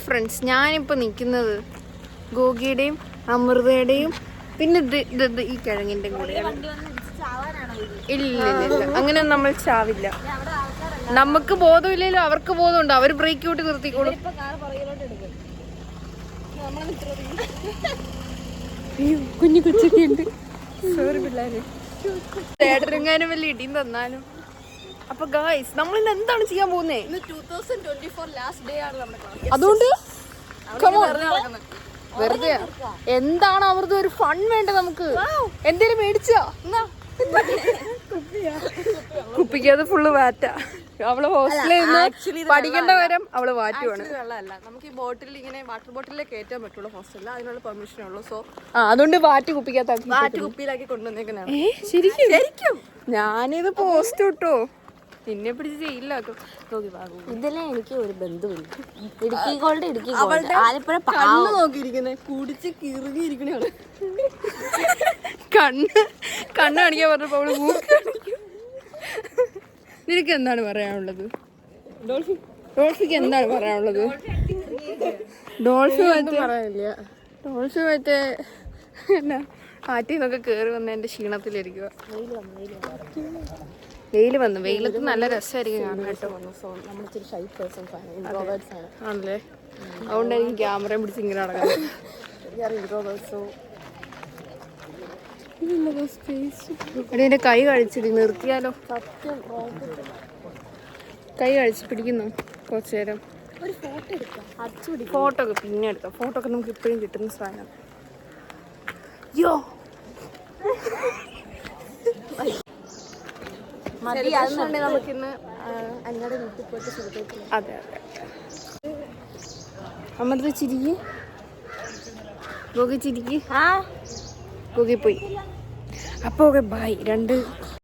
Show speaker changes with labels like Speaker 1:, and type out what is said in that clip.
Speaker 1: Friends, ഞാനിപ്പോൾ നിൽക്കുന്നത് ഗോഗിയുടെയും അമൃതയുടെയും പിന്നെ ഈ കിഴങ്ങിൻ്റെ കൂടെ. ഇല്ല അങ്ങനെയൊന്നും നമ്മൾ ചാവില്ല. നമുക്ക് ബോധമില്ലല്ലോ, അവർക്ക് ബോധമുണ്ട്. അവർ ബ്രേക്ക് ഔട്ട് നിർത്തിക്കോളും. കുഞ്ഞു കൊച്ചൊക്കെ ഉണ്ട്. സോറി പിള്ളേര്, തേടരെങ്ങാനും വലിയ ഇടിയും തന്നാലും. അപ്പൊ ഗായ്സ്, നമ്മൾ ഇന്ന് എന്താണ് ചെയ്യാൻ പോകുന്നേ?
Speaker 2: 2024 ലാസ്റ്റ് ഡേ ആണ് നമ്മുടെ ക്ലാസ്.
Speaker 1: അതുകൊണ്ട് വെറുതെ എന്താണ് അവർക്ക് ഒരു ഫൺ വേണ്ട. നമുക്ക് എന്തേലും മേടിച്ചോ? കുപ്പിക്കത് ഫുള്ള് വാറ്റാ. അവള് ഹോസ്റ്റലിൽ നിന്ന് പഠിക്കേണ്ട വരം അവള് വാറ്റുവാണ്.
Speaker 2: വെള്ളമല്ല, നമുക്ക് ഈ ബോട്ടിൽ ഇങ്ങനെ വാട്ടർ ബോട്ടിലേ കയറ്റാൻ പറ്റുള്ളൂ ഹോസ്റ്റലിൽ. അതിനുള്ള പെർമിഷൻ ഉള്ളൂ. സോ
Speaker 1: അതുകൊണ്ട് വാറ്റ് കുപ്പിക്കകത്താക്കി
Speaker 2: വാറ്റ് കുപ്പിയിലാക്കി കൊണ്ടുവന്നേക്കുന്നതാണ്.
Speaker 1: ശരിക്കും ഞാനിത് പോസ്റ്റ് ഇട്ടോ, നിന്നെ പിടിച്ച് ജയിലിലാക്കും.
Speaker 2: ഇതിലെ എനിക്ക് ഒരു ബന്ധുവില്ല. ഇടുക്കി ഗോൾഡ് ആലപ്പുഴ കണ്ണ് നോക്കിയിരിക്കുന്നേ, കുടിച്ച് കിറുകിയിരിക്കണേ.
Speaker 1: കണ്ണ് കാണിക്കാൻ പറഞ്ഞപ്പോ അവള് മൂക്ക്. നിനക്ക് എന്താണ് പറയാനുള്ളത്? ഡോൾഫിക്ക് എന്താണ് പറയാനുള്ളത്? ഡോൾഫി മറ്റേ എന്നാ ആറ്റിൽ നിന്നൊക്കെ കേറി വന്ന എന്റെ ക്ഷീണത്തിലിരിക്കുക. വെയിൽ വന്നു. വെയിലത്ത് നല്ല രസമായിരിക്കും കാണാൻ കേട്ടോ. ആണല്ലേ, അതുകൊണ്ടായിരിക്കും ക്യാമറയും പിടിച്ച് ഇങ്ങനെ നടക്കുന്നത്. എന്റെ കൈ കഴിച്ചിട്ട് നിർത്തിയാലോ? കൈ കഴിച്ച് പിടിക്കുന്നു കുറച്ചു നേരം. ഫോട്ടോ ഒക്കെ പിന്നെ എടുക്കാം. ഫോട്ടോ ഒക്കെ നമുക്ക് ഇപ്പോഴും കിട്ടുന്ന സാധനം. യോ
Speaker 2: നമുക്കിന്ന് അങ്ങയുടെ വീട്ടിൽ പോയിട്ട്.
Speaker 1: അതെ അമൃത ചിരിക്ക്, ഗോഗി ചിരിക്ക്. ഗോഗി പോയി. അപ്പോൾ ഓക്കെ ബൈ.